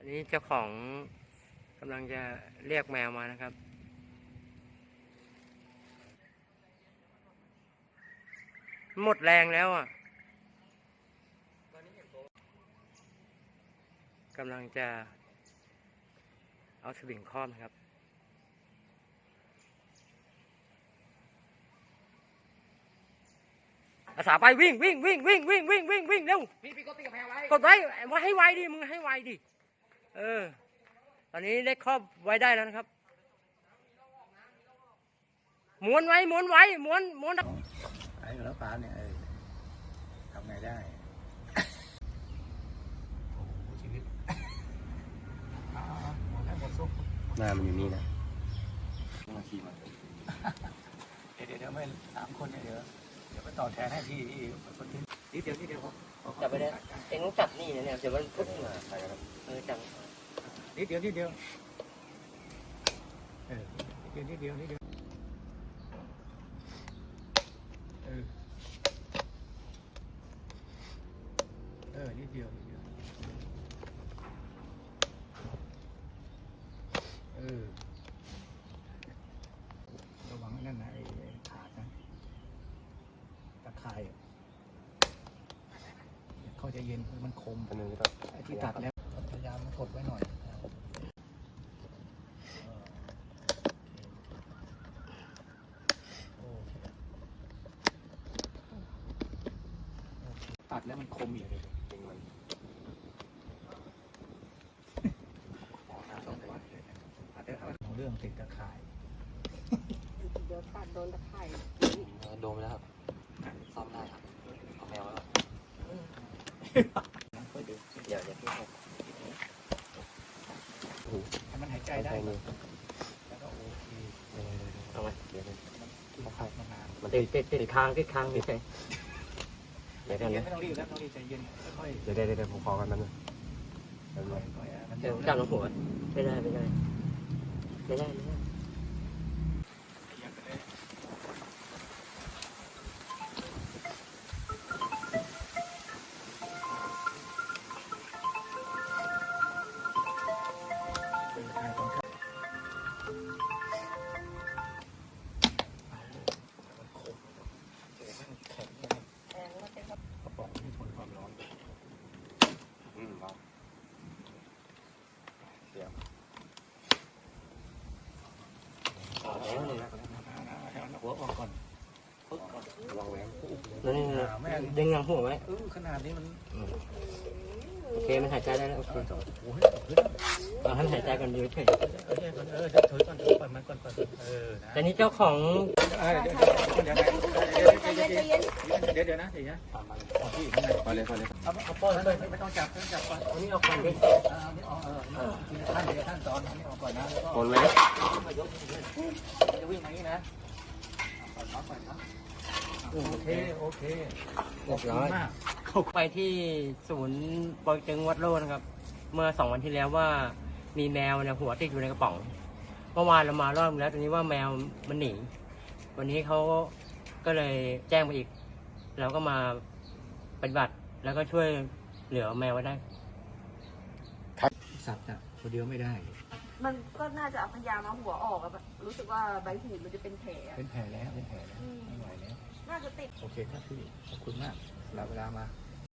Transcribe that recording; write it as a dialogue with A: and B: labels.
A: นนี้เจ้าของกำลังจะเรียกแมวมานะครับหมดแรงแล้วอ่ะกำลังจะเอาสวิงครอบนะครับอาสาไปวิ่งเร็ว
B: พี่ก็ตีกับแพงไว้
A: กดไว้ให้ไวดิมึงให้ไวดิตอนนี้ได้ครอบไว้ได้แล้วนะครับม้วนไว้ม้วน
B: ไอ้แล้วปลาเนี่ยทำไงได้โอ้โหชีวิตหมดแล้วหมดซุป
A: หน้ามันอยู่นี่นะ
B: มาขี่มาเดี๋ยวไม่3 คนเนี่ยเดี๋ยวไปต่อแทนให้พี่คนที่นิดเดียว
A: จับไปได้เอ็งต้องจับนี่นะเนี่ยเดี๋ยวมันพุทธมาจับ
B: นิดเดียวนิดเดียวนิดเดียวนิดเดียวระวังนั่นนะไอ้ขาดนะตะไคร้เขาจะเย็นมันคมไอ้ที่ตัดแล้วพยายามกดไว้หน่อยตัดแล้วมันคมอีกเรื่องติดตะข่าย
C: เดี๋ยวตัดโดนตะไคร่
A: โดนไปแล้วครับซ่อมได้ครับเอาแมวแล้วเดี๋ยวพี่
B: ให้มันหายใจได้แล้วก็โอเค
A: เอาไหมเดี๋ยวมันติดค้างไม่ใช่เดี๋ยว
B: ไม่ต้องรีบแล้วต้องรีบใจเย็นค่อย
A: เดี๋ยวผมขอกันมันนะเดี๋ยวจับหัวไม่ได้
B: หัวออกก่อน
A: วางแหวนนั่นดึงหางหัวไว้
B: ขนาดนี้มัน
A: โอเคมันหายใจได้แล้วโอเคเอาให้หายใจกันดีเฉย
B: ถือก่อนปล่อยมันก่อน
A: แต่นี้เจ้าของ
B: เดี๋ยวนะพี่พอเลยเอาป้อนเลยไม่ต้องจับก่อน
A: อันนี้เอาก่อนดิ
B: นี่ออกท่านสอนอันนี้ออกก่อนนะ
A: คนไหม
B: จะวิ่งมาอย่างนี้นะโอเค
A: เรียบร้อยเข้าไปที่ศูนย์ปอยตึงวัดโลนะครับเมื่อ2 วันที่แล้วว่ามีแมวเนี่ยหัวติดอยู่ในกระป๋องเมื่อวานเรามารอบแล้วตอนนี้ว่าแมวมันหนีวันนี้เขาก็เลยแจ้งมาอีกเราก็มาปฏิบัติแล้วก็ช่วยเหลือแมวไว้ได้
B: สับนะคนเดียวไม่ได้
C: มันก็น่าจะพยายามเอาหัวออกอะรู้สึกว่าใบหูมันจะเป็นแผล
B: แล้วไม่ไหวแล้ว
C: น่าจะติด
B: โอเคครับพี่ขอบคุณมากเวลามา